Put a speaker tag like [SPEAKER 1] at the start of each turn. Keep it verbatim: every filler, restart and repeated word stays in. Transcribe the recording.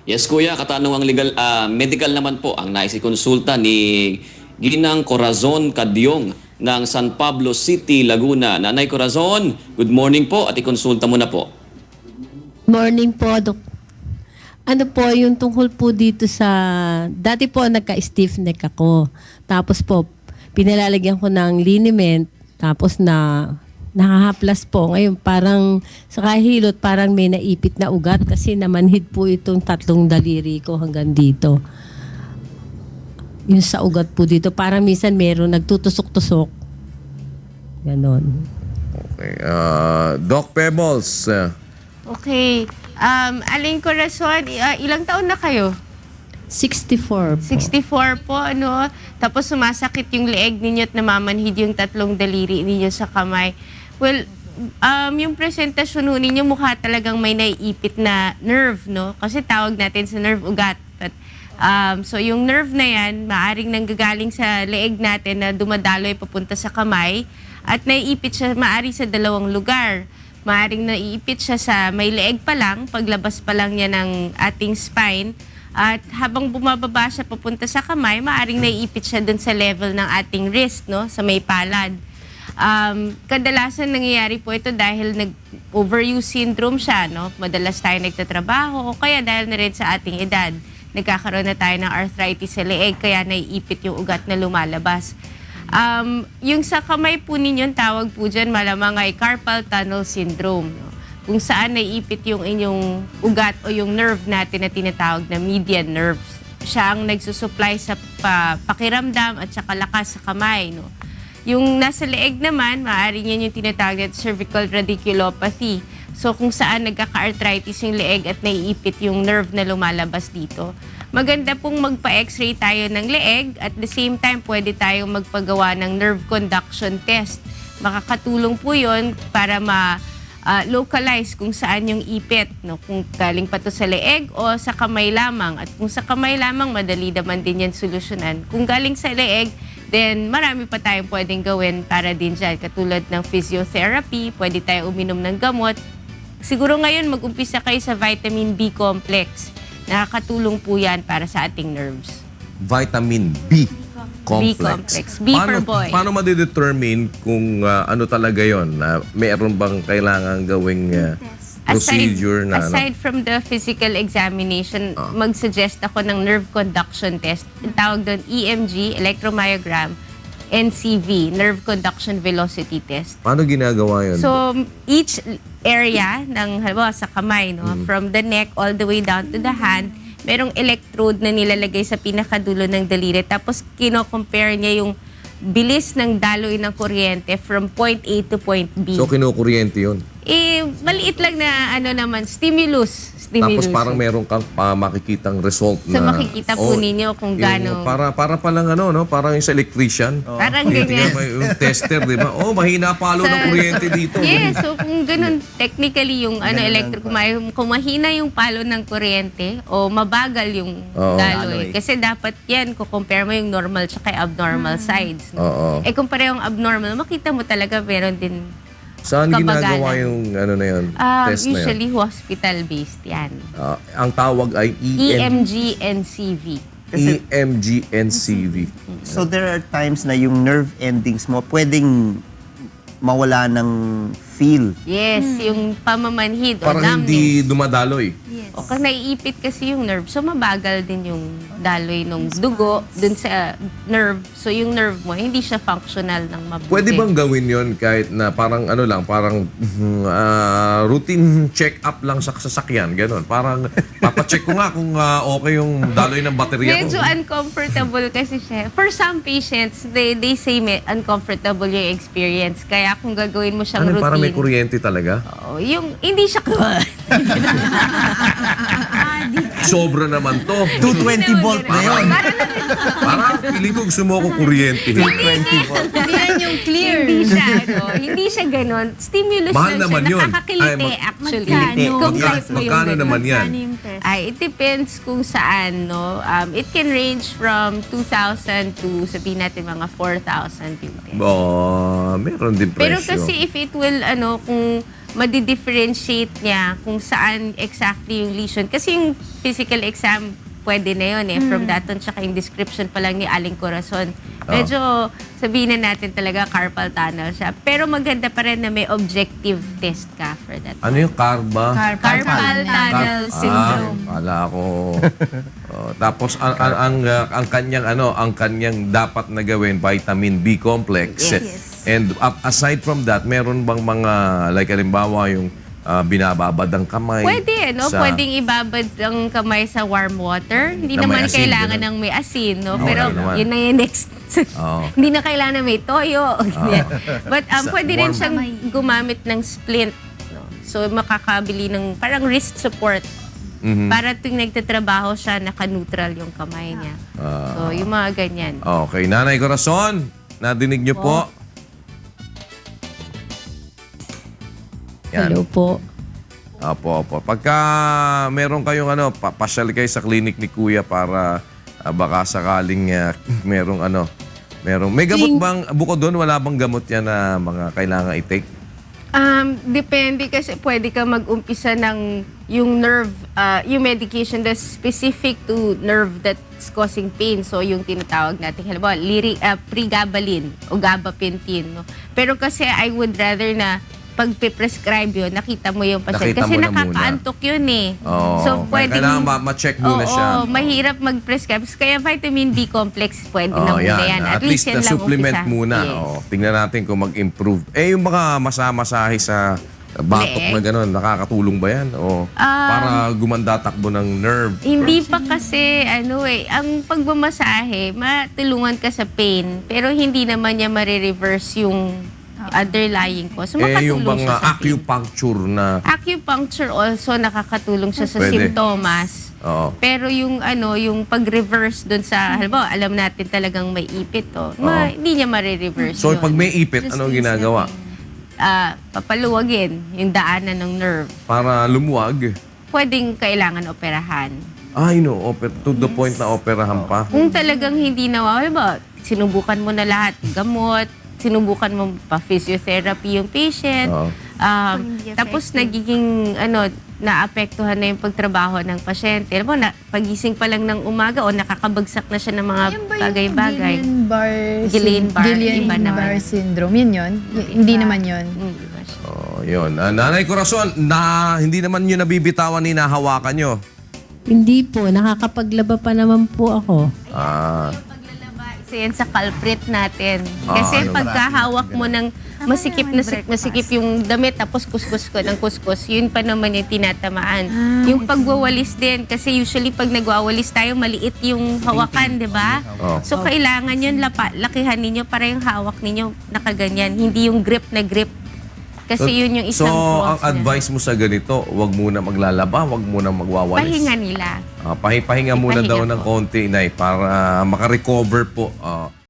[SPEAKER 1] Yes, kuya, katanungang legal, ah, medical naman po ang naisikonsulta ni Ginang Corazon Cadyong ng San Pablo City, Laguna. Nanay Corazon, good morning po at ikonsulta mo na po.
[SPEAKER 2] Morning po, Dok. Ano po, yung tungkol po dito sa... Dati po, nagka-stiff neck ako. Tapos po, pinalalagyan ko ng liniment. Tapos na... Nakahaplas po. Ngayon, parang sa kahilot, parang may naipit na ugat kasi namanhid po itong tatlong daliri ko hanggang dito. Yung sa ugat po dito, parang minsan meron nagtutusok-tusok. Ganon.
[SPEAKER 3] Okay. Uh, Doc Pebbles. Uh,
[SPEAKER 4] Okay. Um, Aling Corazon, uh, ilang taon na kayo?
[SPEAKER 2] sixty-four po.
[SPEAKER 4] sixty-four po, ano? Tapos sumasakit yung leeg ninyo at namamanhid yung tatlong daliri ninyo sa kamay. Well, um, yung presentasyon ho ninyo mukha talagang may naiipit na nerve, no? Kasi tawag natin sa nerve ugat. But, um, so yung nerve na yan, maaring nanggagaling sa leeg natin na dumadaloy papunta sa kamay at naiipit siya maari sa dalawang lugar. Maaring naiipit siya sa may leeg pa lang, paglabas pa lang niya ng ating spine. At habang bumababa siya papunta sa kamay, maaring naiipit siya dun sa level ng ating wrist, no? Sa may palad. Um, kadalasan nangyayari po ito dahil nag-overuse syndrome siya, no? Madalas tayo nagtatrabaho o kaya dahil na rin sa ating edad. Nagkakaroon na tayo ng arthritis sa leeg, kaya naiipit yung ugat na lumalabas. Um, yung sa kamay po ninyo, tawag po dyan malamang ay carpal tunnel syndrome. No? Kung saan naiipit yung inyong ugat o yung nerve natin na tinatawag na median nerves. Siya ang nagsusupply sa pa, pakiramdam at saka lakas sa kamay. No? Yung nasa leeg naman, maaari niyan yung tinatawag na cervical radiculopathy. So kung saan nagkaka-arthritis yung leeg at naiipit yung nerve na lumalabas dito. Maganda pong magpa-x-ray tayo ng leeg at the same time pwede tayong magpagawa ng nerve conduction test. Makakatulong po yun para ma-localize uh, kung saan yung ipit. No? Kung galing pa to sa leeg o sa kamay lamang. At kung sa kamay lamang, madali naman din yan solusyonan. Kung galing sa leeg, then marami pa tayong pwedeng gawin para din dyan. Katulad ng physiotherapy, pwede tayo uminom ng gamot. Siguro ngayon mag-umpisa kayo sa vitamin B complex. Nakakatulong po yan para sa ating nerves.
[SPEAKER 3] Vitamin B complex.
[SPEAKER 4] B complex. B
[SPEAKER 3] paano,
[SPEAKER 4] for boy.
[SPEAKER 3] Paano madidetermine kung uh, ano talaga yon? Uh, mayroon bang kailangan gawing uh, procedure
[SPEAKER 4] aside,
[SPEAKER 3] na...
[SPEAKER 4] Aside
[SPEAKER 3] ano?
[SPEAKER 4] from the physical examination,
[SPEAKER 3] Ah.
[SPEAKER 4] mag-suggest ako ng nerve conduction test. Ang tawag doon E M G, electromyogram, N C V, nerve conduction velocity test.
[SPEAKER 3] Paano ginagawa yun?
[SPEAKER 4] So, each area ng, halimbawa sa kamay, no,
[SPEAKER 3] Mm.
[SPEAKER 4] from the neck all the way down to the hand, merong electrode na nilalagay sa pinakadulo ng daliri. Tapos, kino-compare niya yung bilis ng daloy ng kuryente from point A to point B.
[SPEAKER 3] So, kinukuryente yun.
[SPEAKER 4] eh, maliit lang na, ano naman, stimulus.
[SPEAKER 3] Tapos
[SPEAKER 4] stimulus.
[SPEAKER 3] parang meron kang pa makikitang result
[SPEAKER 4] So,
[SPEAKER 3] na...
[SPEAKER 4] makikita po ninyo kung
[SPEAKER 3] yung
[SPEAKER 4] gaano-
[SPEAKER 3] Para, para palang ano, no? Parang yung sa electrician.
[SPEAKER 4] Parang
[SPEAKER 3] Tinitingnan
[SPEAKER 4] ganyan.
[SPEAKER 3] mo yung tester, di ba? Oh, mahina palo ng
[SPEAKER 4] Sa-
[SPEAKER 3] kuryente dito.
[SPEAKER 4] Yes, so kung ganun, technically yung ano, electric, kung may- kung mahina yung palo ng kuryente o mabagal yung
[SPEAKER 3] Oo.
[SPEAKER 4] daloy. Kasi dapat yan, kung compare mo yung normal tsaka yung abnormal sides. No?
[SPEAKER 3] Oo.
[SPEAKER 4] Eh kung parehong abnormal, makita mo talaga meron din.
[SPEAKER 3] Saan
[SPEAKER 4] kabagalan.
[SPEAKER 3] ginagawa yung ano na yun?
[SPEAKER 4] Um,
[SPEAKER 3] test na yun?
[SPEAKER 4] usually hospital-based yan.
[SPEAKER 3] Ah, ang tawag ay
[SPEAKER 4] E
[SPEAKER 3] E M
[SPEAKER 4] M G N C V.
[SPEAKER 3] E M G N C V.
[SPEAKER 5] So there are times na yung nerve endings mo pwedeng mawala ng feel.
[SPEAKER 4] Yes, yung pamamanhid o
[SPEAKER 3] Parang
[SPEAKER 4] numbness.
[SPEAKER 3] hindi dumadaloy.
[SPEAKER 4] O kung naiipit kasi yung nerve, so mabagal din yung daloy ng dugo dun sa nerve. So yung nerve mo, hindi siya functional ng mabuti.
[SPEAKER 3] Pwede bang gawin yon kahit na parang ano lang, parang ah, routine check-up lang sa sasakyan, gano'n. Parang papacheck ko nga kung ah, okay yung daloy ng baterya
[SPEAKER 4] Medyo
[SPEAKER 3] ko.
[SPEAKER 4] uncomfortable kasi siya. For some patients, they they say may uncomfortable yung experience. Kaya kung gagawin mo siyang
[SPEAKER 3] Ano,
[SPEAKER 4] routine.
[SPEAKER 3] parang may kuryente talaga?
[SPEAKER 4] Oo, yung hindi siya
[SPEAKER 3] Sobra naman to.
[SPEAKER 5] two twenty volt na yun.
[SPEAKER 3] Parang piling ko gusto mo ako kuryente.
[SPEAKER 5] two twenty volt.
[SPEAKER 2] Yan yung clear.
[SPEAKER 4] Hindi siya, ano, hindi siya ganun. Stimulus
[SPEAKER 3] Mahal
[SPEAKER 4] lang
[SPEAKER 3] naman
[SPEAKER 4] siya.
[SPEAKER 3] yun.
[SPEAKER 4] Nakakakiliti
[SPEAKER 3] Ay, mag-
[SPEAKER 4] actually.
[SPEAKER 5] Kiliti.
[SPEAKER 4] Kung
[SPEAKER 3] Magka-
[SPEAKER 4] type mo yung
[SPEAKER 3] magkano
[SPEAKER 4] ganun.
[SPEAKER 3] naman yan?
[SPEAKER 4] Ay, it depends kung saan, no? Um, it can range from two thousand to, sabihin natin, mga four thousand yung test.
[SPEAKER 3] Oh, meron din presyo.
[SPEAKER 4] Pero kasi if it will, ano, kung madidifferentiate niya kung saan exactly yung lesion. Kasi yung physical exam, pwede na yun eh. From that on, tsaka yung description pa lang ni Aling Corazon. Medyo sabihin na natin talaga carpal tunnel siya. Pero maganda pa rin na may objective test ka for that.
[SPEAKER 3] Ano yung karba?
[SPEAKER 4] Carpal tunnel syndrome.
[SPEAKER 3] Ah, kala ko. Oh, tapos ang ang ang, uh, ang kanyang ano, ang kanyang dapat na gawin vitamin B complex.
[SPEAKER 4] Yes.
[SPEAKER 3] And uh, aside from that, meron bang mga like halimbawa yung uh, binababad ang kamay?
[SPEAKER 4] Pwede, no?
[SPEAKER 3] sa-
[SPEAKER 4] Pwedeng ibabad ang kamay sa warm water. Hindi
[SPEAKER 3] Na may
[SPEAKER 4] naman
[SPEAKER 3] asin,
[SPEAKER 4] kailangan
[SPEAKER 3] ganun.
[SPEAKER 4] ng may asin, no?
[SPEAKER 3] Oo,
[SPEAKER 4] Pero
[SPEAKER 3] wala naman.
[SPEAKER 4] yun na yung next.
[SPEAKER 3] Oo.
[SPEAKER 4] Hindi na kailangan na may toyo. Ganyan. But um,
[SPEAKER 3] Sa
[SPEAKER 4] pwede rin
[SPEAKER 3] warm-
[SPEAKER 4] siyang gumamit ng splint. No? So makakabili ng parang wrist support.
[SPEAKER 3] Mhm.
[SPEAKER 4] Para tuwing nagtatrabaho siya, naka-neutral yung kamay niya.
[SPEAKER 3] Ah.
[SPEAKER 4] So yung mga ganyan.
[SPEAKER 3] Okay, Nanay Corazon, nadinig niyo po. Yan.
[SPEAKER 2] Hello po.
[SPEAKER 3] Opo, opo. Pagka meron kayong ano, pa pasyal kayo sa clinic ni Kuya para ah, baka sakaling ah, merong ano, merong may gamot
[SPEAKER 2] Ting-
[SPEAKER 3] bang bukod doon wala bang gamot yan na mga kailangan i-take?
[SPEAKER 4] Um, depende kasi pwede ka mag-umpisa ng yung nerve, uh, yung medication that's specific to nerve that's causing pain. So, yung tinatawag natin, halimbawa, lyric, uh, pregabalin o gabapentin. No? Pero kasi I would rather na pag prescribe yun, nakita mo yung pasyente.
[SPEAKER 3] Nakita
[SPEAKER 4] Kasi
[SPEAKER 3] mo na
[SPEAKER 4] nakakaantok yun eh.
[SPEAKER 3] Oo.
[SPEAKER 4] So,
[SPEAKER 3] Kaya
[SPEAKER 4] pwedeng...
[SPEAKER 3] kailangan ma- ma-check muna
[SPEAKER 4] Oo,
[SPEAKER 3] siya.
[SPEAKER 4] mahirap mag-prescribe. Kaya vitamin B complex, pwede na
[SPEAKER 3] Oh,
[SPEAKER 4] muna yan.
[SPEAKER 3] At, least na
[SPEAKER 4] yan lang
[SPEAKER 3] supplement
[SPEAKER 4] umpisa.
[SPEAKER 3] muna.
[SPEAKER 4] Yes.
[SPEAKER 3] Oh, tingnan natin kung mag-improve. Eh, yung mga masamasahe sa batok
[SPEAKER 4] Leeg.
[SPEAKER 3] na gano'n, nakakatulong ba yan? O
[SPEAKER 4] Um,
[SPEAKER 3] para gumanda takbo ng nerve?
[SPEAKER 4] Hindi pa kasi, ano eh, ang pagmamasahe, matulungan ka sa pain, pero hindi naman niya marireverse yung underlying cause. So,
[SPEAKER 3] Eh, yung
[SPEAKER 4] makatulong
[SPEAKER 3] mga
[SPEAKER 4] siya sa pain.
[SPEAKER 3] acupuncture na...
[SPEAKER 4] Acupuncture also nakakatulong siya sa
[SPEAKER 3] Pwede.
[SPEAKER 4] simptomas.
[SPEAKER 3] Oo.
[SPEAKER 4] Pero yung ano, yung pag-reverse dun sa, halimbawa, alam natin talagang may ipit to, ma, hindi niya marireverse
[SPEAKER 3] So,
[SPEAKER 4] yun.
[SPEAKER 3] pag may ipit, anong ginagawa?
[SPEAKER 4] Ah, papaluwagin yung daanan ng nerve.
[SPEAKER 3] Para lumuwag?
[SPEAKER 4] Pwedeng kailangan operahan.
[SPEAKER 3] Ay, no. Oper, to the point na operahan pa.
[SPEAKER 4] Kung talagang hindi nawawala ba, sinubukan mo na lahat, gamot, sinubukan mo pa physiotherapy yung patient.
[SPEAKER 3] Oo.
[SPEAKER 4] Um, tapos nagiging ano, naapektuhan na yung pagtrabaho ng pasyente. Alam mo, na, pagising pa lang ng umaga o nakakabagsak na siya ng mga
[SPEAKER 6] Yan ba yung
[SPEAKER 4] bagay-bagay.
[SPEAKER 6] Guillain-Barre
[SPEAKER 4] Guillain-Barre,
[SPEAKER 6] Guillain
[SPEAKER 4] iba naman.
[SPEAKER 6] Barre syndrome. Yun yun? Y- hindi naman yun.
[SPEAKER 4] Hmm, di ba siya?
[SPEAKER 3] Oh, yun. Ah, Nanay Corazon, na, hindi naman nyo nabibitawan ni nahawakan nyo.
[SPEAKER 2] Hindi po, nakakapaglaba pa naman po ako.
[SPEAKER 3] Ah,
[SPEAKER 4] Isa yan sa culprit natin.
[SPEAKER 3] Ah,
[SPEAKER 4] Kasi
[SPEAKER 3] ano?
[SPEAKER 4] pagkahawak mo ng masikip na sik- masikip yung damit tapos kuskus ko ng kuskus, yun pa naman yung tinatamaan. Yung pagwawalis din, kasi usually pag nagwawalis tayo, maliit yung hawakan, di ba?
[SPEAKER 3] Oh.
[SPEAKER 4] So kailangan yun, lapa, lakihan ninyo para yung hawak ninyo nakaganyan. Hindi yung grip na grip. Kasi yun yung
[SPEAKER 3] so,
[SPEAKER 4] isang
[SPEAKER 3] ang
[SPEAKER 4] cause niya.
[SPEAKER 3] advice mo sa ganito, wag muna maglalaba, wag muna magwawalis.
[SPEAKER 4] Pahinga nila.
[SPEAKER 3] Ah, pahi- pahinga muna
[SPEAKER 4] Ipahinga
[SPEAKER 3] daw ng
[SPEAKER 4] po.
[SPEAKER 3] konti, Nay, para makarecover po. Ah,